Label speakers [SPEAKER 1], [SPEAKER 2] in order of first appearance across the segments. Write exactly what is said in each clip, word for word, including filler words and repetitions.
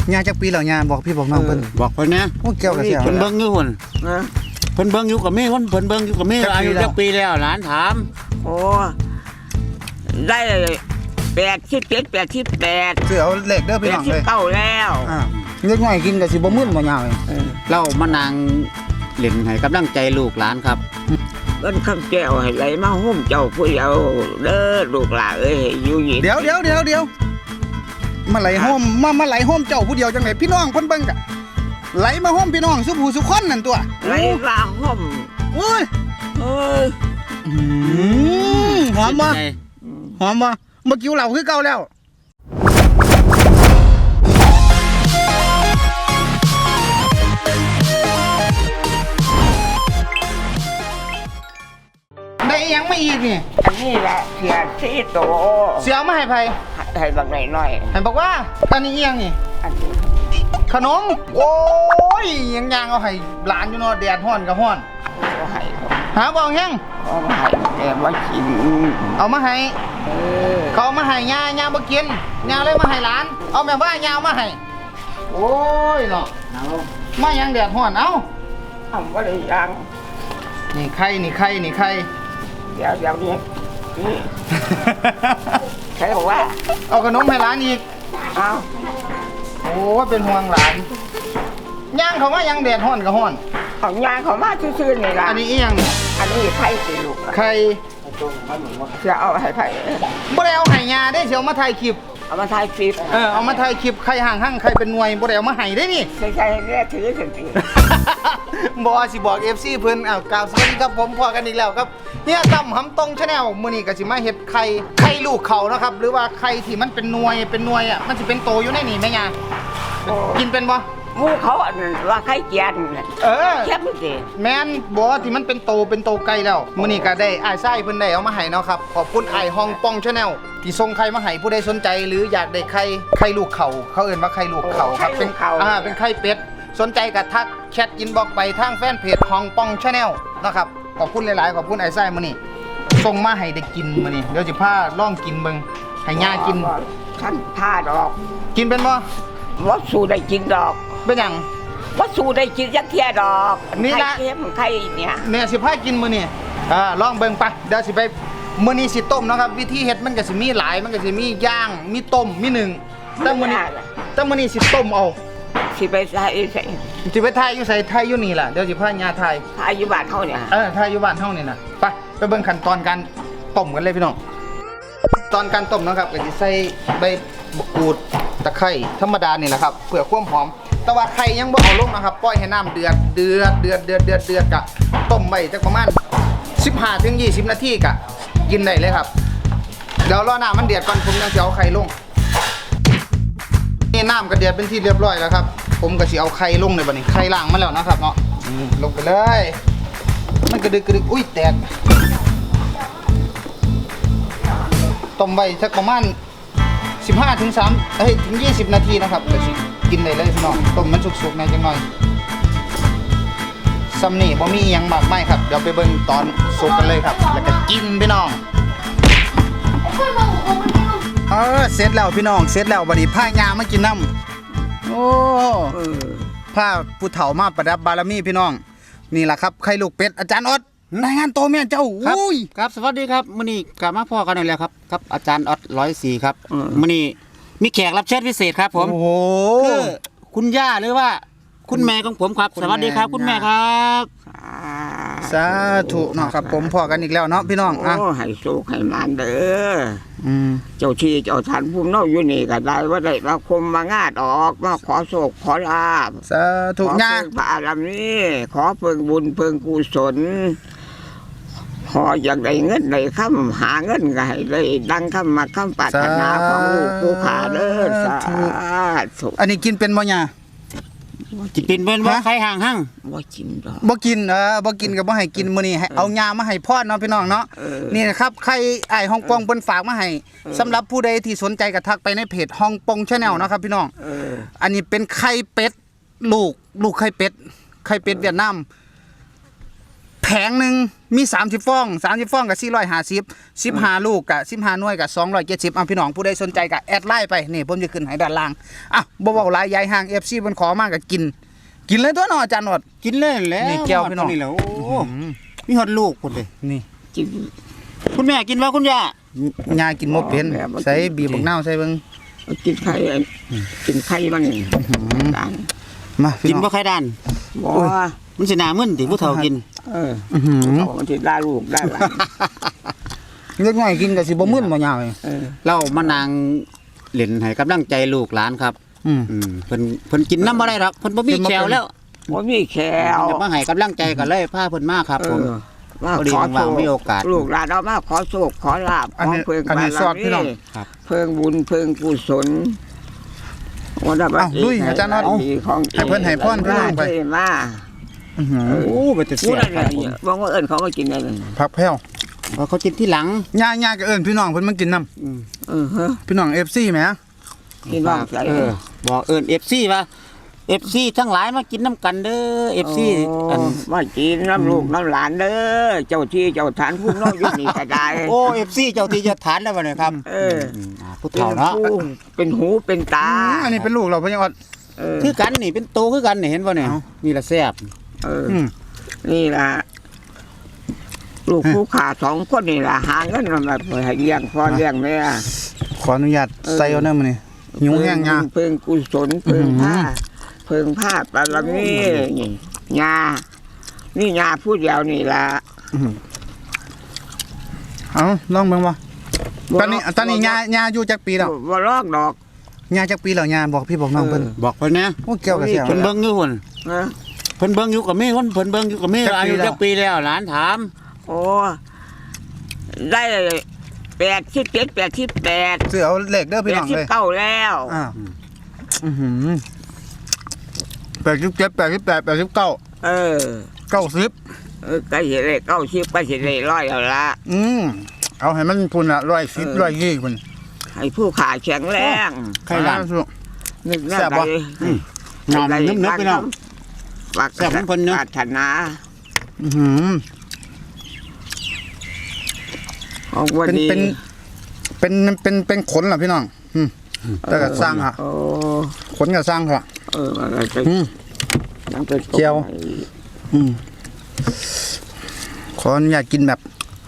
[SPEAKER 1] ยาจักปีแล้วยาบอกพี่บอกน้องเพิ่น
[SPEAKER 2] บอกเพิ่นนะ
[SPEAKER 1] โอ้แก้วกระเสียว
[SPEAKER 2] เพิ่นเบิ่งอยู่หุ่นเพิ่นเบิ่งอยู่กับแม่เพิ่นเพิ่นเบิ่งอยู่กับแม่อายุจักปีแล้วหลานถาม
[SPEAKER 3] โอ้ได้แปดสิบเจ็ดแปดสิบแปด
[SPEAKER 1] เสือเอาเลขเด้อ
[SPEAKER 3] แป
[SPEAKER 1] พี่
[SPEAKER 3] ด
[SPEAKER 1] น้อง
[SPEAKER 3] สิบ
[SPEAKER 1] เลย
[SPEAKER 3] เก้าแล้ว
[SPEAKER 1] อ่าเล็กน้อยกินก็สิบ่มึนบ่ยาวเลย
[SPEAKER 2] เรามานางเล่นให้กำลังใจลูกหลานครับ
[SPEAKER 3] เงินคำแก้วให้ไหลมาหุ้มเจ้าผู้เยาว์เด้อลูกหลานเอ้ยอยู่หญิง
[SPEAKER 1] เดี๋ยวเดี๋ยวเดี๋ยวเดี๋ยวมาไหลห้อมมามาไหลห้อมเจ้าผู้เดียวจังไหนพี่น้องเพิ่นเบิ่งกะไหลมาห้อมพี่น้องสุผู้สุคนนั่นตัว
[SPEAKER 3] ไหลมาหุ้ม
[SPEAKER 1] โอ้ย
[SPEAKER 3] เอ้ย
[SPEAKER 1] หอมบ่หอมบ่เมื่อกี้เหล่าคือเก่าแล้วได้ยังไม่อีกนี่
[SPEAKER 3] อันนี้แหละเสียซีโต
[SPEAKER 1] เสียวมาให้ไผ
[SPEAKER 3] ให้บางหน่อยหน่อย
[SPEAKER 1] ให้บอกว่าอันนี้เอียงนี่
[SPEAKER 3] อันนี้
[SPEAKER 1] ขนมโอ้ยยังยางเอาให้หลานอยู่เนาะแดดฮ้อนกับฮ้อน
[SPEAKER 3] เอาให้
[SPEAKER 1] หาบ่แห้ง
[SPEAKER 3] เอามาให้แม่มากิน
[SPEAKER 1] เอามาให้
[SPEAKER 3] เออ
[SPEAKER 1] เขาเอามาให้ย่าย่าบ่กินย่าเลยมาให้หลานเอาแม่ว่าย่าเอามาให้โอ้ยเนาะเอามายังแดดฮ้อนเอ้า
[SPEAKER 3] ทำว่าได้ยัง
[SPEAKER 1] นี่ไข่นี่ไข่นี่ไข่
[SPEAKER 3] เดี๋ยวเดี๋ยวนี้นี่ใครบอกว่า
[SPEAKER 1] เอาขนมให้หลานอีก
[SPEAKER 3] เอา
[SPEAKER 1] โอ้เป็นห่วงหลานย่างเขามายังแดดฮ้อนกับฮ้อน
[SPEAKER 3] ของยางเขามาซื่อๆนี่ล่ะ
[SPEAKER 1] อันนี้อีหยัง
[SPEAKER 3] อันนี้ไข่สิลูก
[SPEAKER 1] ไข่
[SPEAKER 3] จะเอาให้ไผ่
[SPEAKER 1] บ่ได้เอาให้ย่าได้สิเอามาถ่ายคลิป
[SPEAKER 3] เอามาถ่ายคลิป
[SPEAKER 1] เออเอามาถ่ายคลิปไข่ห่างหั่งไข่เป็นหน่วยบ่ได้เอามาให้ได้นี่
[SPEAKER 3] ใช่ใช่เนี่ยถือถึงถือ
[SPEAKER 1] บ่สิบอก เอฟ ซี เพิ่นอ้าวกล่าวสวัสดีครับผมพอกันอีกแล้วครับเฮียตั้มหำตรงชาแนลมื้อนี้ก็สิมาเฮ็ดไข่ไข่ลูกเขานะครับหรือว่าไข่ที่มันเป็นหน่วยเป็นหน่วยอ่ะมันสิเป็นโตอยู่ในนี่แม่ย่ากินเป็นบ่
[SPEAKER 3] หมูเขาอันว่าไข่เจียน
[SPEAKER 1] เออ
[SPEAKER 3] เข้มสิ
[SPEAKER 1] แม่นบ่ที่มันเป็นโตเป็นโตไก่แล้วมื้อนี้ก็ได้อ้ายไส้เพิ่นได้เอามาให้เนาะครับขอบคุณอ้ายฮ่องป้องชาแนลที่ส่งไข่มาให้ผู้ใดสนใจหรืออยากได้ไข่ไข่ลูกเขาเขาเอิ้นว่าไข่ลูกเขาครับเป็นอ่าเป็นไข่เป็ดสนใจก็ทักแชทอินบ็อกซ์ไปทางแฟนเพจฮ่องป้องชาแนลนะครับขอบคุณหลายๆขอบคุณอ้ายไส้มื้อนี้ส่งมาให้ได้กินมื้อนี้เดี๋ยวสิพาลองกินเบิ่งให้ย่ากิน
[SPEAKER 3] ฉันพาดอก
[SPEAKER 1] กินเป็นบ่
[SPEAKER 3] ว่าสู้ได้กินดอก
[SPEAKER 1] เป็นหยัง
[SPEAKER 3] ว่าสู้ได้กินยักเทียดอก
[SPEAKER 1] นี่ละ
[SPEAKER 3] ไข่เค็มไข่เนี่ย
[SPEAKER 1] เนี่ยสิพากินมื้อนี้อ่าลองเบิ่งไปเดี๋ยวสิไปมื้อนี้สิต้มเนาะครับวิธีเฮ็ดมันก็สิมีหลายมันก็สิมีย่างมีต้มมีหนึ่งแต่มื้อนี้แต่มื้อนี้สิต้มเอา
[SPEAKER 3] สิไปใส่ใส่
[SPEAKER 1] สิไปถ่ายอยู่ไสถ่ายอยู่นี่ล่ะเดี๋ยวสิพาญาถ่าย
[SPEAKER 3] ถ่ายอยู่บ้านเฮาเนี่ย
[SPEAKER 1] เออถ่ายอยู่บ้านเฮานี่น่ะไปไปเบิ่งขั้นตอนการต้มกันเลยพี่น้องตอนการต้มนะครับก็สิใส่ใบมะกรูดตะไคร้ธรรมดานี่แหละครับเพื่อความหอมแต่ว่าไข่ยังบ่เอาลงนะครับปล่อยให้น้ำเดือดเดือดเดือดเดือดเดือดเดือดกะต้มไว้จักประมาณสิบห้าถึงยี่สิบนาทีกะกินได้เลยครับเดี๋ยวรอน้ำมันเดือดก่อนผมจะเอาไข่ลงนี่น้ำก็เดือดเป็นที่เรียบร้อยแล้วครับผมก็สิเอาไข่ลงในบัดนี้ไข่ล้างมาแล้วนะครับเนาะลงไปเลยมันกระดึกกระดึกอุ้ยแตกต้มไว้สักประมาณสิบห้าถึงสามเอ้ยถึงยี่สิบนาทีนะครับก็สิกินได้เลยพี่น้องต้มมันสุกๆหน่อยจังหน่อยซัมนี่บ่มีหยังมากมายครับเดี๋ยวไปเบิ่งตอนสุกกันเลยครับแล้วก็กินพี่น้องเออเสร็จแล้วพี่น้องเสร็จแล้วบัดนี้พายามากินน้ำโอ้ผ้าผู้เฒ่ามาประดับบารมีพี่น้องนี่แหละครับไข่ลูกเป็ดอาจารย์ออดรายงานตัวแม่เจ้าอุ้ย
[SPEAKER 2] ครับสวัสดีครับมื้อนี้กลับมาพ่อกันอีกแล้วครับครับอาจารย์ออดร้อยสี่ครับมื้อนี้มีแขกรับเชิญพิเศษครับผม
[SPEAKER 1] โอ้โห
[SPEAKER 2] คือคุณย่าหรือว่าคุณแม่ของผมครับสวัสดีครับคุณแม่ครับ
[SPEAKER 1] สาธุเนาะครับผมพ่อกันอีกแล้วเนาะพี่น้องอ่ะ
[SPEAKER 3] โอ้ให้โชคให้มานเด้ออืมเจ้าที่เจ้าทานภูมิเนาอยู่นี่ก็ได้ว่าได้มาคมมางาดออกมาขอโชคขอลาภ
[SPEAKER 1] สาธุย่า
[SPEAKER 3] พระอารามนี้ขอเพิ่งบุญเพิ่งกุศลขออยากได้เงินได้คำหาเงินก็ให้ได้ดังคำมาคำปรารถนาของลูกผู้ขาเด้อสาธุ
[SPEAKER 1] อันนี้กินเป็นบ่ย่า
[SPEAKER 2] จิเป็นเป็นบ่ไข่ห่างหั่ง
[SPEAKER 3] บ่กินดอก
[SPEAKER 1] บ่กินเออบ่กินก็บ่ให้กินมื้อนี้เอายามาให้พ่อเนาะพี่น้องเนาะนี่นะครับไข่ไอ้ฮ่องกงเพิ่นฝากมาให้สำหรับผู้ใดที่สนใจก็ทักไปในเพจฮ่องกง Channel นะครับพี่น้องอันนี้เป็นไข่เป็ดลูกลูกไข่เป็ดไข่เป็ดเวียดนามแพแผงหนึ่งมีสามสิบฟองสามสิบฟองกับสี่ร้อยห้าสิบ สิบห้าลูกกับสิบห้าหน่วยกับสองร้อยเจ็ดสิบอ่ะพี่น้องผู้ใดสนใจก็แอดไลน์ไปนี่ผมจะขึ้นให้ด้านล่างอ่ะบ่เว้าหลายยายห่าง เอฟ ซี เพิ่นขอมาก็กิน กินเลยตัวเนาะอาจารย์หนวด
[SPEAKER 2] กินเลยแหล้ว
[SPEAKER 1] นี่แก้วพี่น้อง
[SPEAKER 2] นี่แหละโอ้มีฮอดลูกพุ่นเลย
[SPEAKER 1] นี่
[SPEAKER 3] กิน
[SPEAKER 2] คุณแม่กินว่าคุณย่าย
[SPEAKER 1] ากินบ่เป็นใส่บีบบักนาวใส่เบิ่ง
[SPEAKER 3] กินไข่กินไข่มันด้าน
[SPEAKER 1] มาพี่
[SPEAKER 2] กิน
[SPEAKER 1] น้อง
[SPEAKER 2] บ่ไข่ด้าน
[SPEAKER 3] บ่
[SPEAKER 2] มันสิหน้ามึนติผู้เฒ่ากิน
[SPEAKER 3] เออ
[SPEAKER 1] อื้อหือ
[SPEAKER 3] เอามันสิได้ลูกได้หลาน
[SPEAKER 1] เล็กน้อยกินก็สิบ่มึนบ่ยาวเลย
[SPEAKER 3] เออ
[SPEAKER 2] เรามานางเล่นให้กำลังใจลูกหลานครับ
[SPEAKER 1] อืม
[SPEAKER 2] อืมเพิ่นเพิ่นกินน้ำบ่ได้หรอกเพิ่นบ่มี
[SPEAKER 1] กินบ่
[SPEAKER 2] แขว
[SPEAKER 1] เป็น
[SPEAKER 2] แล้ว
[SPEAKER 3] บ่มีแขว
[SPEAKER 2] อยากมาให้กำลังใจก็เลยพาเพิ่นมาครับผม
[SPEAKER 3] เออว่า
[SPEAKER 2] พอดี
[SPEAKER 3] ขอ
[SPEAKER 2] ว่าง
[SPEAKER 3] โช
[SPEAKER 2] ๆมีโอกาส
[SPEAKER 3] ลูกหลานเอามาขอโชคขอลาบข
[SPEAKER 1] อัน
[SPEAKER 3] อ
[SPEAKER 1] นี้
[SPEAKER 3] เพิ่ง
[SPEAKER 1] อันนี้
[SPEAKER 3] บาร
[SPEAKER 1] สอดพี่น้อง
[SPEAKER 3] มี
[SPEAKER 2] ครับ
[SPEAKER 3] เพิ่งบุญเพิ่งกุศลวันละบัด
[SPEAKER 1] เอ้าลุยอาจารย์น็อต
[SPEAKER 3] ดีของ
[SPEAKER 1] ให้เพิ่นให้พรพี่น้องไป
[SPEAKER 3] เท่มา
[SPEAKER 1] อื้อหือ
[SPEAKER 2] โอ้บ่จะ
[SPEAKER 3] พู
[SPEAKER 2] เสี
[SPEAKER 3] ด
[SPEAKER 2] ย
[SPEAKER 3] อะไร
[SPEAKER 2] ครับผม
[SPEAKER 3] เนี่ยบอกว่าเอิญเขาก็กินได้เลย
[SPEAKER 1] ผักแพ้ว
[SPEAKER 2] ว่าเขากินที่หลัง
[SPEAKER 1] ย่าย่าก็เอิ้นพี่น้องเพิ่นมากินน้
[SPEAKER 2] อืม
[SPEAKER 3] เออฮะ
[SPEAKER 1] ำพี่น้อง เอฟ ซี แหม
[SPEAKER 3] กินบ้างใจ
[SPEAKER 2] เออบอกเอิ้น เอฟ ซี ว่า เอฟ ซี ทั้งหลายมากินน้ำกันเด้อ เอฟ ซี อัน
[SPEAKER 3] มากินน้ำลูกน้ำหลานเด้อเจ้าที่เจ้าฐานผู้น้องอยู่นี่ก็ได้
[SPEAKER 2] โอ้ เอฟ ซี เจ้าที่เจ้าฐานแล้วบ่เนี่ยครับ
[SPEAKER 3] เออ
[SPEAKER 2] มอ่าผู้เฒ่าเนาะ
[SPEAKER 3] ป็ผู้เป็นหูเป็นตา
[SPEAKER 1] อืมอันนี้เป็นลูกเราพี่ยังอด
[SPEAKER 3] เออ
[SPEAKER 2] คือกันนี่เป็นโตคือกันนี่เห็นบ่เนี่ย
[SPEAKER 1] เอ้า
[SPEAKER 2] นี่ละแซ่บ
[SPEAKER 3] เออ
[SPEAKER 1] อืม
[SPEAKER 3] นี่ล่ะลูกผู้ขาสองคนนี่ล่ะหาเงินมาแบบให้เลี้ยงพ่อเลี้ยงแม่
[SPEAKER 1] ขออนุญาต
[SPEAKER 3] เออ
[SPEAKER 1] ใส่เอาเด้อมื้อนี้หิวแห้งยา
[SPEAKER 3] เพิ่งกุศลเพิ่งผ้า
[SPEAKER 1] อื้อหือ
[SPEAKER 3] เพิ่งผ้าปารมีนี่ยานี่ยาพูดเดียวนี่ล่ะ
[SPEAKER 1] เอาลองเบิ่งบ่ตอนนี้ตอนนี้ย่าย่าอยู่จักปีแล้ว
[SPEAKER 3] บ่ลอกดอก
[SPEAKER 1] ย่าจักปีแล้วย่าบอกพี่บอกน้องเพิ่น
[SPEAKER 2] บอกเพิ่นนะ
[SPEAKER 1] โอ้แก้วก็เสีย
[SPEAKER 2] เพิ่นเบิ่งอยู่พุ่น
[SPEAKER 3] นะ
[SPEAKER 2] เพิ่นเบิ่งอยู่กับแม่คนเพิ่นเบิ่งอยู่กับแม่
[SPEAKER 1] จักปี
[SPEAKER 2] อายุ
[SPEAKER 1] แล้ว
[SPEAKER 2] จักปีแล้วหลานถาม
[SPEAKER 3] โอ้ได้แปดสิบเจ็ดแปดสิบแปด
[SPEAKER 1] ซื้อเอาเลขเด้อ
[SPEAKER 3] แป
[SPEAKER 1] พี่
[SPEAKER 3] ด
[SPEAKER 1] น้อง
[SPEAKER 3] สิบ
[SPEAKER 1] เลย
[SPEAKER 3] เก้าแล้ว
[SPEAKER 1] อ่าอื้อหือแปดสิบเจ็ด แปดสิบแปด แปดสิบเก้า
[SPEAKER 3] เออ
[SPEAKER 1] เก้าสิบ
[SPEAKER 3] เออใกล้สิได้เก้าสิบใกล้สิได้ร้อยแล้วละ
[SPEAKER 1] อืมเอาให้มันพุ่นละร้อยสิบร้อยยี่พุ่น
[SPEAKER 3] ให้ผู้ขาแข็งแรง
[SPEAKER 2] ไข่หลาน
[SPEAKER 1] อ่าสู้
[SPEAKER 3] นึกแน่
[SPEAKER 1] แซ่บ
[SPEAKER 3] ใด
[SPEAKER 1] บ่
[SPEAKER 2] นอนนึกๆไปเนาะ
[SPEAKER 3] ฝาก
[SPEAKER 2] แซ่บของเพิ่นเนอะ
[SPEAKER 3] ปรารถนา
[SPEAKER 1] อื้อหือ
[SPEAKER 3] ของวัน
[SPEAKER 1] เป็น
[SPEAKER 3] นี้
[SPEAKER 1] เป็นเป็นเป็นเป็นขนเหรอพี่น้องอืมแต่ก็สร้างฮะ
[SPEAKER 3] โอ้
[SPEAKER 1] ขนก็สร้างค่ะ
[SPEAKER 3] เออมันก็จะ
[SPEAKER 1] อืม
[SPEAKER 3] ยังเป็น
[SPEAKER 1] เจียว อืมขออนุญาตกินแบบ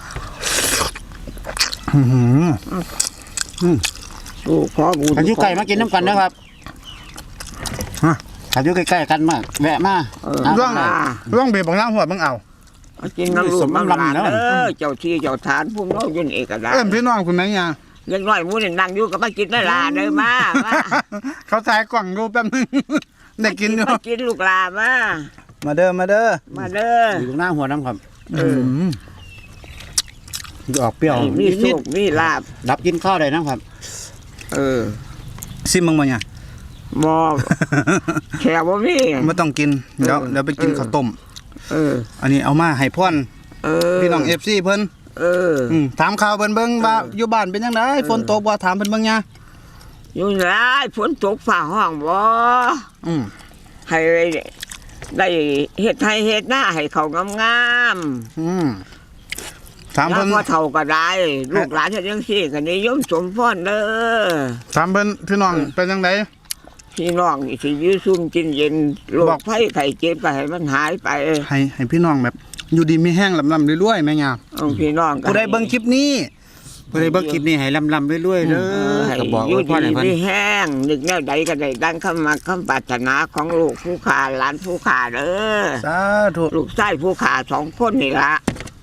[SPEAKER 1] อื้อหือ
[SPEAKER 3] สู้ขอบุญ
[SPEAKER 2] อายุไก่มากินน้ำกันนะครับ
[SPEAKER 1] ฮะ
[SPEAKER 2] อายุใกล้ๆกันมากแวะมา
[SPEAKER 3] เออ
[SPEAKER 2] เอา
[SPEAKER 1] ร่อง
[SPEAKER 2] มา
[SPEAKER 1] ร่องเบียบางน้ำหัวบางเอา
[SPEAKER 3] เอากินน้ำลู
[SPEAKER 2] ส
[SPEAKER 3] ก
[SPEAKER 2] ม
[SPEAKER 3] น้ำ
[SPEAKER 2] น้ำ
[SPEAKER 3] หลาน
[SPEAKER 2] ลำแล้ว
[SPEAKER 3] เออเจ้าที่เจ้าฐานผู้น้องอยืนเอกระดา
[SPEAKER 1] เอิ้นพี่น้องคุณไหมยา
[SPEAKER 3] เล็กน้อยหมูนี่นั่งอยู่ก็มากินได้ลาเด้อมามา
[SPEAKER 1] เขาถ่ายกล่องดูแป๊บนึง ได้กินอยู่
[SPEAKER 3] มากินลูกลามา
[SPEAKER 1] มาเด้อมาเด้อ
[SPEAKER 3] มาเด้อ
[SPEAKER 2] อยู่ตรงหน้าหัวน้ำครับ
[SPEAKER 3] เออ
[SPEAKER 1] ม
[SPEAKER 2] ออกเปรี้ยว
[SPEAKER 3] ให้มี
[SPEAKER 2] นิ
[SPEAKER 3] สุ
[SPEAKER 2] ด
[SPEAKER 3] ขมีลาบ
[SPEAKER 2] ๆรับกินข้าวได้นะครับ
[SPEAKER 3] เออ
[SPEAKER 1] ซิมมึงมาเนี่ย
[SPEAKER 3] บอแขวบ่มี
[SPEAKER 1] ไม่ต้องกินเดี๋ยว
[SPEAKER 3] เออ
[SPEAKER 1] เดี๋ยวไปกิน
[SPEAKER 3] เออ
[SPEAKER 1] ข้าวต้ม
[SPEAKER 3] เออ
[SPEAKER 1] อันนี้เอามาให้พ่อน
[SPEAKER 3] เออ
[SPEAKER 1] พี่น้องเอฟซีเพิ่น
[SPEAKER 3] เออ
[SPEAKER 1] อืมถามข่าวเพิ่นเบิ่งว่า
[SPEAKER 3] เออ
[SPEAKER 1] อยู่บ้านเป็นจังไดฝนตกบ่ถามเพิ่นเบิ่งยา
[SPEAKER 3] อยู่ไหนฝนตกฝ่าห้องบ่
[SPEAKER 1] อืม
[SPEAKER 3] ให้ได้เฮ็ดให้เฮ็ดหน้าให้เขางาม
[SPEAKER 1] อืมถาม
[SPEAKER 3] ๆแล้ว
[SPEAKER 1] เพิ่น
[SPEAKER 3] พอเฒ่าก็ได้ ลูกหลานเฮ็ดจังซี่ก็นิยมสมพรเด้อ
[SPEAKER 1] ถามเพิ่นพี่น้องเป็นจังได
[SPEAKER 3] พี่น้องนี่สิอยู่ซุ่มกินเย็นโร
[SPEAKER 1] บอ
[SPEAKER 3] ค
[SPEAKER 1] ก
[SPEAKER 3] ภัยไข้เจ็บก็ให้มันหายไป
[SPEAKER 1] ให้ให้พี่น้องแบบ อยู่ดีมีแห้งลำๆรวยๆแม่ยา
[SPEAKER 3] เอาพี่น้องก็
[SPEAKER 1] ผู้ใดเบิ่งคลิปนี้
[SPEAKER 2] ผู้ใดเบิ่งคลิปนี้ให้ลำๆเรื่อยๆเด้
[SPEAKER 3] เอ
[SPEAKER 2] อ
[SPEAKER 3] อให้
[SPEAKER 2] ก็บอก
[SPEAKER 3] อยู่
[SPEAKER 2] ไว้พ่อ
[SPEAKER 3] ดี
[SPEAKER 2] ให้เพิ่น
[SPEAKER 3] มีแห้งนึกแนวใดก็ได้ดังคำมาคำปรารถนาของลูกผู้ขาหลานผู้ขาเด้อ
[SPEAKER 1] สาธุ
[SPEAKER 3] ลูกชายผู้ขาสองคนนี่ละ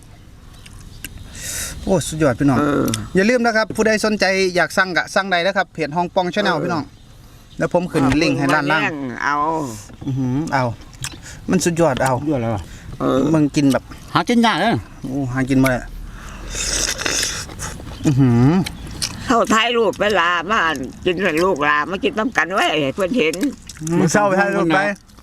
[SPEAKER 1] โอ้สุดยอดพี่น้อง
[SPEAKER 3] เออ
[SPEAKER 1] อย่าลืมนะครับ ผู้ใดสนใจอยากสั่งกะสั่งได้นะครับเพจฮ่องปองชาแนลพี่น้องแล้วผมขึ้นลิงก์ให้ด้านล่าง
[SPEAKER 3] เอา
[SPEAKER 1] อือหือเอา มันสุดยอดเอา
[SPEAKER 2] เยอะแล้ว
[SPEAKER 3] เออ
[SPEAKER 1] มึงกินแบบ
[SPEAKER 2] หากินยากเด้อ
[SPEAKER 1] โอ้หากินมาเลยอือหือ
[SPEAKER 3] เข้าท้ายลูกไปลามากินกับลูกลามากินน้ำกันไว้ให้เพื่อนเห็น
[SPEAKER 1] มึงเศร้าไปให้ลูกไป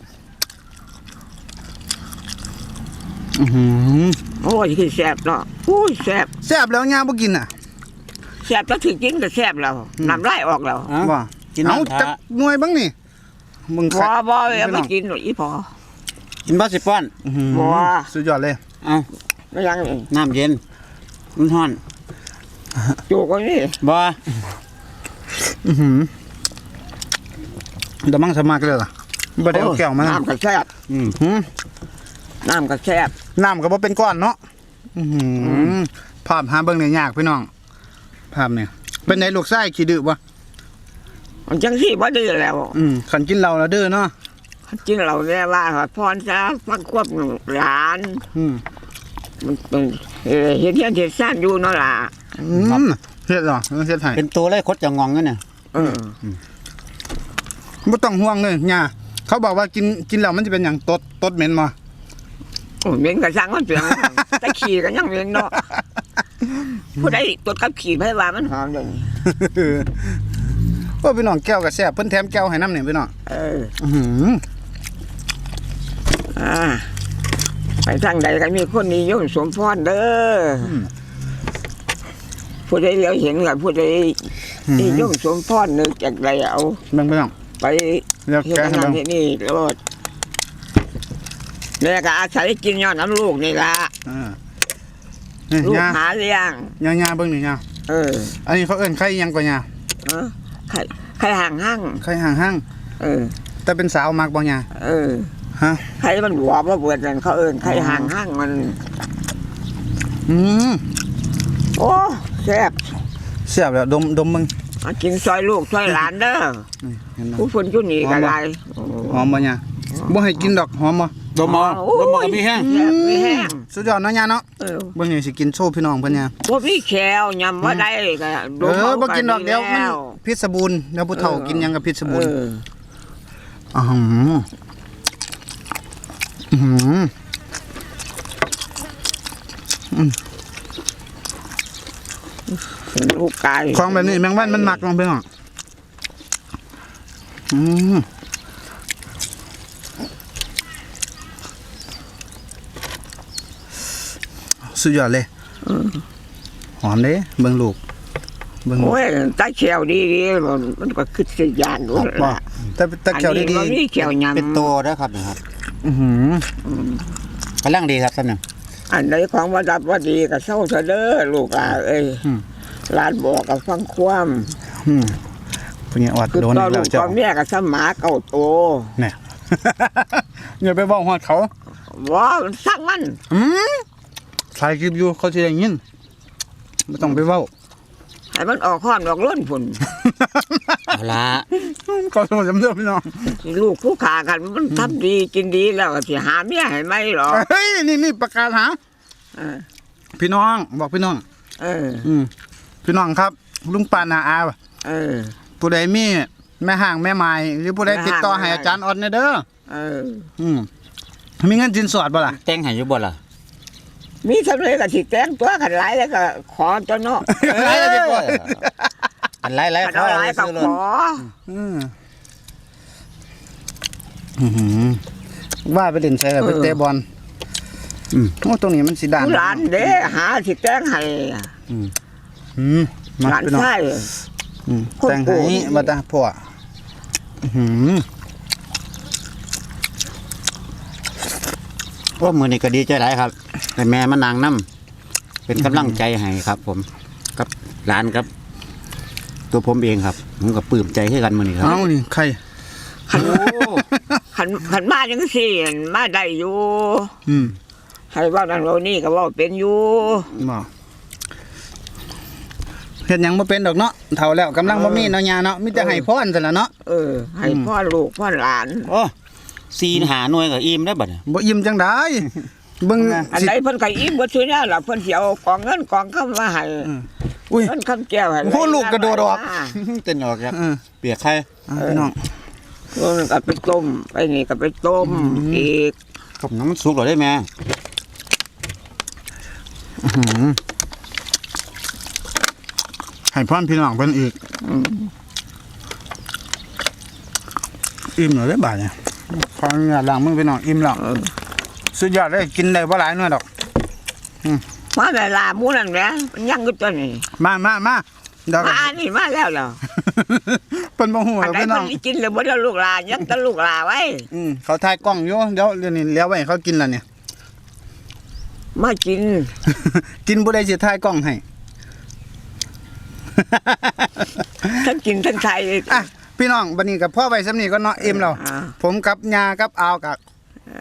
[SPEAKER 1] อือหือ
[SPEAKER 3] โอ้ยคือแซ่บเนาะโอ้ยแซ่บ
[SPEAKER 1] แซ่บแล้วย่าบ่กินอ่ะ
[SPEAKER 3] แซ่บก็ถึงกินก็แซ่บแล้วน้ำลายออกแล้ว
[SPEAKER 2] เอ้า
[SPEAKER 1] ว่า
[SPEAKER 2] กิน
[SPEAKER 1] เอา
[SPEAKER 2] น้ำ
[SPEAKER 1] จักหน่วยบ้างนี่มึง
[SPEAKER 3] พอบ่เอาไม่กินหรอกอีพอ
[SPEAKER 2] กินบ่สิป้อน
[SPEAKER 1] อื้อหือ
[SPEAKER 3] บ่
[SPEAKER 1] สุดยอดเลย
[SPEAKER 2] เอา
[SPEAKER 3] ไม่ยังนี่
[SPEAKER 2] น้ำเย็นมันร้อน
[SPEAKER 3] จูกไว้นี่
[SPEAKER 2] บ่
[SPEAKER 1] อื้อหือเดี๋ยวมั่งสมัครเลยล่ะบ่ได้เอาแก้วมา
[SPEAKER 3] น้ำกระแซ่บ
[SPEAKER 2] อืม
[SPEAKER 1] หืม
[SPEAKER 3] น้ำกระแซ่บ
[SPEAKER 1] น้ำก็บ่เป็นก้อนเนาะอื้อหือภาพหาเบิ่งได้ยากพี่น้องภาพเนี่ยเป็นไงลูกชายขี้ดื้อบ่
[SPEAKER 3] มันจังสี่บ่ดื้อแล้ว
[SPEAKER 1] อืมคันกินเหล้าแล้วดื้อเนาะ
[SPEAKER 3] จริงเราเนี่ยว่าพรซะฟังควบหลาน
[SPEAKER 1] อืม
[SPEAKER 3] มันเป็นเอ่อเฮ็ดเฮียนเฮ็ดซ่านอยู่เนาะล่ะ
[SPEAKER 1] อืมเฮ็ดเหรอเฮ็ดให้
[SPEAKER 2] เป็นตัวเลยคดจะงองนั่นน่ะ
[SPEAKER 3] เออ
[SPEAKER 1] บ่ต้องห่วงเลยย่าเขาบอกว่ากินกินแล้วมันจะเป็นหยังตดตดเหม็นบ่
[SPEAKER 3] โอ้เหม็นกระสังมันเปลียงแต่ขี่กันยังเหม็นเนาะผู้ใดตรวจกับขี่ไผว่ามันหอมเด้นี่
[SPEAKER 1] โอ้พี่น้องแก้วก็แซ่บเพิ่นแถมแก้วให้น้ำเนี่ยพี่น้อง
[SPEAKER 3] เออ
[SPEAKER 1] อื้อหือ
[SPEAKER 3] อ่าไปทางใดก็มีคนนิยมสมพรเด้ออผู้ใดเลี้ยวเห็นกับผู้ใดนิยมสมพรนึกจากใดเอา
[SPEAKER 1] เบิ่งพี่น้อง
[SPEAKER 3] ไป
[SPEAKER 1] เดี๋ยว
[SPEAKER 3] เฮ็ด
[SPEAKER 1] แกะให้
[SPEAKER 3] นั่น
[SPEAKER 1] เบิ่ง
[SPEAKER 3] เฮ็ดนี่รถแม่ก็อาศัยกินย้อนน้ำลูกนี่ล่ะ
[SPEAKER 1] อ่านี่
[SPEAKER 3] ลูก
[SPEAKER 1] ย่า
[SPEAKER 3] หาเลี้ยง
[SPEAKER 1] ย่าย่าเบิ่งนี่ย่า
[SPEAKER 3] เออ
[SPEAKER 1] อันนี้เขาเอิ้นไข่อิหยังกว่าย่า
[SPEAKER 3] เออใครใครห่างห้าง
[SPEAKER 1] ไข่ห่างห้าง
[SPEAKER 3] เออ
[SPEAKER 1] แต่เป็นสาวมักบ่ย่า
[SPEAKER 3] เออ
[SPEAKER 1] ฮะ
[SPEAKER 3] ใครมันหัวมาเปิดนั่นเขาเอิ้นใครห่างห้างมัน
[SPEAKER 1] อืม
[SPEAKER 3] โอ้แซ่บ
[SPEAKER 1] แซ่บแล้วดมดมมึง
[SPEAKER 3] มากินซอยลูกซอยหลานเด้อ
[SPEAKER 1] นี่เห็นบ่
[SPEAKER 3] ผู้คนจุนี่ก็ได้
[SPEAKER 1] หอมบ่ย่าบ่ให้กินดอกหอมบ่
[SPEAKER 2] ดมเอาดมเอาก็มีแห้ง
[SPEAKER 3] แซ่บมีแห้ง
[SPEAKER 1] สุดยอดเนาะย่าเนาะ
[SPEAKER 3] เออ
[SPEAKER 1] เบิ่งนี่สิกินโชว์พี่น้องเพิ่นย่า
[SPEAKER 3] บ่มีแขวยำบ่ได้ก็
[SPEAKER 1] เออบ่กินดอกเดียวมัน
[SPEAKER 3] แล้ว
[SPEAKER 1] พิษบูรณ์เดี๋ยวผู้เฒ่ากินหยังกับพิษบูรณ์
[SPEAKER 3] เออ
[SPEAKER 1] อ๋อหืออื้อหือ
[SPEAKER 3] เป็นลูกไก่
[SPEAKER 1] ของแบบนี้แมงวันมันหมักลงไปหน่อยอืมสุดยอดเลยหอมเด้เบิ่งลูกเบิ่งลูก
[SPEAKER 3] โอ้ยตาแขวดีๆมันมันก็คือสิยานอยู่
[SPEAKER 1] บ่แต่แต่แก้ว
[SPEAKER 3] อันนี้
[SPEAKER 1] ดี
[SPEAKER 3] บ่มีแขวยำ
[SPEAKER 2] เป็นตัวเด้อครับนะครับ
[SPEAKER 1] ๆอื้อหือก
[SPEAKER 2] ำลังดีครับท่านนึง
[SPEAKER 3] อันไหนของว่าดับว่าดีก็เศร้าเถอะเด้อลูกอ่ะเอ้ยหลานบอกก็ฟังความ
[SPEAKER 1] อืมเพิ่นอด
[SPEAKER 3] คือ
[SPEAKER 1] โดน
[SPEAKER 3] ต่อ
[SPEAKER 1] อีก
[SPEAKER 3] ลู
[SPEAKER 1] แล้ว
[SPEAKER 3] ก
[SPEAKER 1] เจ้า
[SPEAKER 3] ต่อแม่ก็สมาเก่าโต
[SPEAKER 1] เนี่ย อย่าไปเว้าฮอดเขา
[SPEAKER 3] ว่ามันสั่งมัน
[SPEAKER 1] อืมถ่ายคลิปอยู่เขาสิได้ยินบ่ต้องไปเว้า
[SPEAKER 3] ให้มันออกห้อนออกล้นพุ่น
[SPEAKER 2] เอาละ
[SPEAKER 1] ขอโทษจำเด้อพี่น้อง
[SPEAKER 3] ลูกผู้ขากันมันทำดีกินดีแล้วก็สิหาเมียให้ไหมหรอ
[SPEAKER 1] เฮ้ยนี่นี่ประกาศหา
[SPEAKER 3] เออ
[SPEAKER 1] พี่น้องบอกพี่น้อง
[SPEAKER 3] เออ
[SPEAKER 1] อืมพี่น้องครับ ลุงปานาอา
[SPEAKER 3] เออ
[SPEAKER 1] ผู้ใดมีแม่ห่างแม่ไม้หรือผู้ใด
[SPEAKER 3] แม่
[SPEAKER 1] ติดต่อ
[SPEAKER 3] ห่าง
[SPEAKER 1] ให้อาจารย์ออดเนี่ยเด้อ
[SPEAKER 3] เออ
[SPEAKER 1] อืมมีเงินสินสอดบ่ล่ะ
[SPEAKER 2] แต่งให้อยู่บ่ล่ะ
[SPEAKER 3] มีทำเลยก็สิแต่งตัวกันหลายแล้วก็ขอตัวเนาะ
[SPEAKER 2] เอ้ยเดี๋ยวก่อนอันไล่ไล่
[SPEAKER 3] กัน
[SPEAKER 2] เขา
[SPEAKER 3] เอาหลายก็
[SPEAKER 2] ซื้อเล
[SPEAKER 3] ข
[SPEAKER 2] ย
[SPEAKER 3] อ
[SPEAKER 1] อืมอื้อหือว่าไปเล่นใช่ไปเตะบอลอืมโอ้ตรงนี้มันสิด่าน
[SPEAKER 3] ผู้หลานเด้หาสิแต่งให้
[SPEAKER 1] อืมมา
[SPEAKER 3] หลาน
[SPEAKER 1] พี่น้อง
[SPEAKER 3] ชาย
[SPEAKER 1] อืม
[SPEAKER 3] คน
[SPEAKER 1] แต่ง
[SPEAKER 3] โก
[SPEAKER 1] ให้
[SPEAKER 3] ง
[SPEAKER 1] บ่ตาพ่ออื้อหือ
[SPEAKER 2] ว่ามือนี้ก็ดีใจหลายครับแต่แม่มานางน้ำเป็นกำลังใจให้ครับ ผมกับหลานครับ ตัวผมเองครับผมก็ปลื้มใจให้กันมือนี้ครับ
[SPEAKER 1] เอ้านี่ใคร
[SPEAKER 3] ขันขันขันมาจังสี่มาได้อยู่
[SPEAKER 1] อืม
[SPEAKER 3] ให้เว่านั่นเว่านี่ก็เว่าเป็นอยู่
[SPEAKER 1] บ่เฮ็ดหยังบ่เป็นดอกเนาะเฒ่าแล้วกำลังบ่มีเนาะยาเนาะมีแต่ให้พรซั่นล่ะเนาะ
[SPEAKER 3] เออ ให้พ่อลูกพ่อหลาน
[SPEAKER 2] โอ้ซีนหาหน่วยกับอิ่มได้บัดนี้
[SPEAKER 1] บ่อิ่มจังได๋เบิ่ง
[SPEAKER 3] อัน
[SPEAKER 1] สิ
[SPEAKER 3] ใดเพิ่นก็อิ่มบ่ซื้อแน่ล่ะเพิ่นสิเอากองเงินกองคำมาให้
[SPEAKER 1] อุ้ย
[SPEAKER 3] เงินคำแก้วให้
[SPEAKER 1] โอ้ลูกกระโดดออก
[SPEAKER 2] เต้นออกครับ
[SPEAKER 1] เออ
[SPEAKER 2] เปียกใคร
[SPEAKER 1] เอาพี่น้อง
[SPEAKER 3] เพิ่นก็ไปต้มไปนี่ก็ไปต้มอีก
[SPEAKER 2] ผมน้ำมันสุกหรอได้ไหม
[SPEAKER 1] อื้อหือให้พรพี่น้องเพิ่นอีกอิ่มแล้วเด้อบาดเนี่ยขออนุญาตล้างมือพี่น้องอิ่มแล้ว
[SPEAKER 3] เออ
[SPEAKER 1] สุดยอดเลยกินได้บ่หลายหน่อยดอก
[SPEAKER 3] มาเวลาหมู่นั่นแหละมันยังอยู่ตัวนี้
[SPEAKER 1] มามามาเดี๋ยว
[SPEAKER 3] มานี่มาแล้วเหรอ
[SPEAKER 1] เพิ่นบ่ฮู้
[SPEAKER 3] อัน
[SPEAKER 1] แล้ว
[SPEAKER 3] ใด
[SPEAKER 1] พี่น้
[SPEAKER 3] เพิ่
[SPEAKER 1] อน ง
[SPEAKER 3] สิกินเลยบ่ได้ลูกหลานยังแต่ลูกหลานไว้
[SPEAKER 1] อืมเขาถ่ายกล้องอยู่เดี๋ยวเดี๋ยวนี้เลี้ยวไว้ให้เขากินแล้วเนี่ย
[SPEAKER 3] มากิน
[SPEAKER 1] กินบ่ได้สิถ่ายกล้องให้
[SPEAKER 3] ทั้งกินทั้งไทย
[SPEAKER 1] อ่ะพี่น้องบัดนี้กับพ่อไว้สำนี้ก็เนาะเอ็มเรา
[SPEAKER 3] อ่า
[SPEAKER 1] ผมกับยากับอาวกับ
[SPEAKER 3] เอา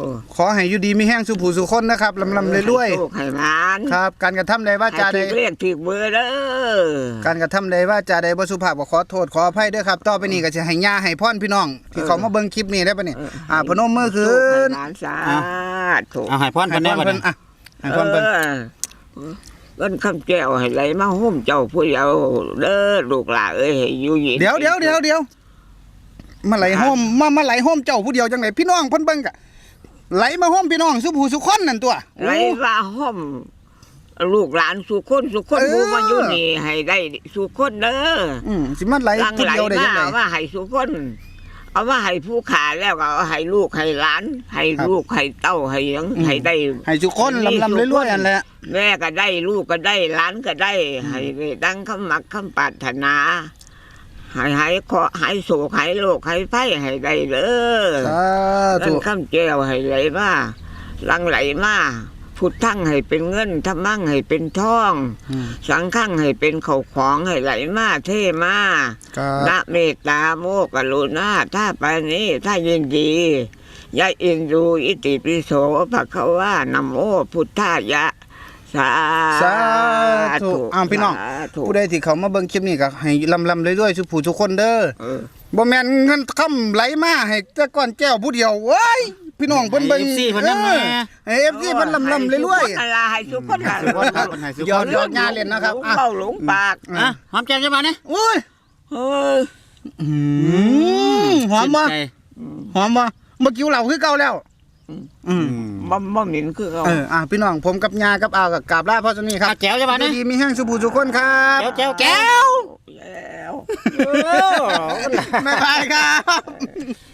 [SPEAKER 1] ขอให้อยู่ดีมีแห้งสุผู้สุคนนะครับลำลำเลยรวย
[SPEAKER 3] ให้โชคให้มาน
[SPEAKER 1] ๆครับ การกระทำใดว่าจาใด
[SPEAKER 3] ให้ถูกเรียกถูกเบอร์เด้อ
[SPEAKER 1] การกระทำใดว่าจาใดบ่สุภาพก็ขอโทษขออภัยด้วยครับต่อไปนี้ก็จะให้ย่าให้พรพี่น้อง ที่เขามาเบิ่งคลิปนี้ได้ปะเนี่ยอ่าพนมมือขึ้น
[SPEAKER 3] หลานสาธุ
[SPEAKER 2] เอาให้พร
[SPEAKER 1] ให้
[SPEAKER 2] เพิ่น
[SPEAKER 1] พ
[SPEAKER 2] ได้
[SPEAKER 1] ร
[SPEAKER 2] บ่
[SPEAKER 1] เพิ่น
[SPEAKER 2] เนี่ย
[SPEAKER 1] อ่ะให้พรเพิ่น
[SPEAKER 3] เออเอิ้นคำแก้วให้ไหลมาห่มเจ้าผู้เยาว์เด้อลูกหลานเอ้ยให้อยู่เย็น
[SPEAKER 1] เดี๋ยวเดี๋ยวเดี๋ยวเดี๋ยวมาไหลโฮมมามาไหลโฮมเจ้าผู้เดียวจังไดพี่น้องเพิ่นเบิ่งกะไหลมาโฮมพี่น้องสุผู้สุคนนั่นตัว
[SPEAKER 3] ไหลมาห่มลูกหลานสุคนสุคน
[SPEAKER 1] เออ
[SPEAKER 3] ผู้มาอยู่นี่ให้ได้สุคนเด้อ
[SPEAKER 1] อืมสิมาไหล
[SPEAKER 3] หลัง
[SPEAKER 1] ผู้
[SPEAKER 3] ไหล
[SPEAKER 1] เดียวได้
[SPEAKER 3] มา
[SPEAKER 1] จังได
[SPEAKER 3] เอามาให้สุคน เอามาให้ผู้ขาแล้วก็เอาให้ลูกให้หลาน ให้
[SPEAKER 1] ครับ
[SPEAKER 3] ลูกให้เต้าให้หยัง
[SPEAKER 1] อืม
[SPEAKER 3] ให้ได้
[SPEAKER 1] ให้สุคนลำลำรวยๆอันแหละ
[SPEAKER 3] แม่ก็ได้ลูกก็ได้หลานก็ได้ ให้ได้ดังคำมักคำปรารถนาให้หายขอหายโศกหายโรคหายไฟให้ได้เด้อ
[SPEAKER 1] สาธุ
[SPEAKER 3] นั่นคำแก้วให้ไหลมาหลังไหลมาพุทธังให้เป็นเงินธรรมังให้เป็นทอง
[SPEAKER 1] อืม
[SPEAKER 3] สังฆังให้เป็นเขาวของให้ไหลมาเท่มา
[SPEAKER 1] ก็
[SPEAKER 3] นะเมตตาโมกรุณาถ้าปานนี้ถ้ายินดียะอินดูอิติปิโสภะคะวานโมพุทธายะสา
[SPEAKER 1] สาธุอ้าวพี่น้อง
[SPEAKER 3] สาธุ
[SPEAKER 1] ผู้ใดที่เขามาเบิ่งคลิปนี้ก็ให้ลำลำรวยๆสุผู้สุคนเด้อ
[SPEAKER 3] เออ
[SPEAKER 1] บ่แม่นเงินคำไหลมาให้แต่ก่อนแก้วผู้เดียวเว้ยพี่น้องเพิ่นเบิ่ง
[SPEAKER 2] ให้ เอฟ ซี เพิ่นนำแหน่
[SPEAKER 1] เออให้ เอฟ ซี เพิ่นลำลำรวย
[SPEAKER 3] ให้สุขคนละให้สุขคนละ
[SPEAKER 2] ให้สุขคนครับให้สุขคน
[SPEAKER 1] ๆยอดยอดงานเล่นนะครับ
[SPEAKER 3] หลง
[SPEAKER 1] อ่ะ
[SPEAKER 3] เบ้าหลงปาก
[SPEAKER 2] อ่ะหอมแก้มจังบ่เนี่ย
[SPEAKER 1] โอ้ย
[SPEAKER 3] เฮ้ย
[SPEAKER 1] อืมหอมบ่
[SPEAKER 2] ชื่นใจ
[SPEAKER 1] หอมบ่เมื่อกี้เหล่าคือเก่าแล้วอืม
[SPEAKER 2] อืม
[SPEAKER 3] บ่บ่เหม็นคือเขา
[SPEAKER 1] เอออ่ะพี่น้องผมกับยากับอาวกับกราบลาพ่อสนี่ครับ
[SPEAKER 2] อ่ะแจ๋วจังบ่เนี่ย
[SPEAKER 1] ดีมีแห้งสุผู้สุคนครับ
[SPEAKER 2] แจ๋วแจ๋วแจ๋ว
[SPEAKER 3] แล้ว
[SPEAKER 2] โอ้
[SPEAKER 1] บ๊ายบายครับ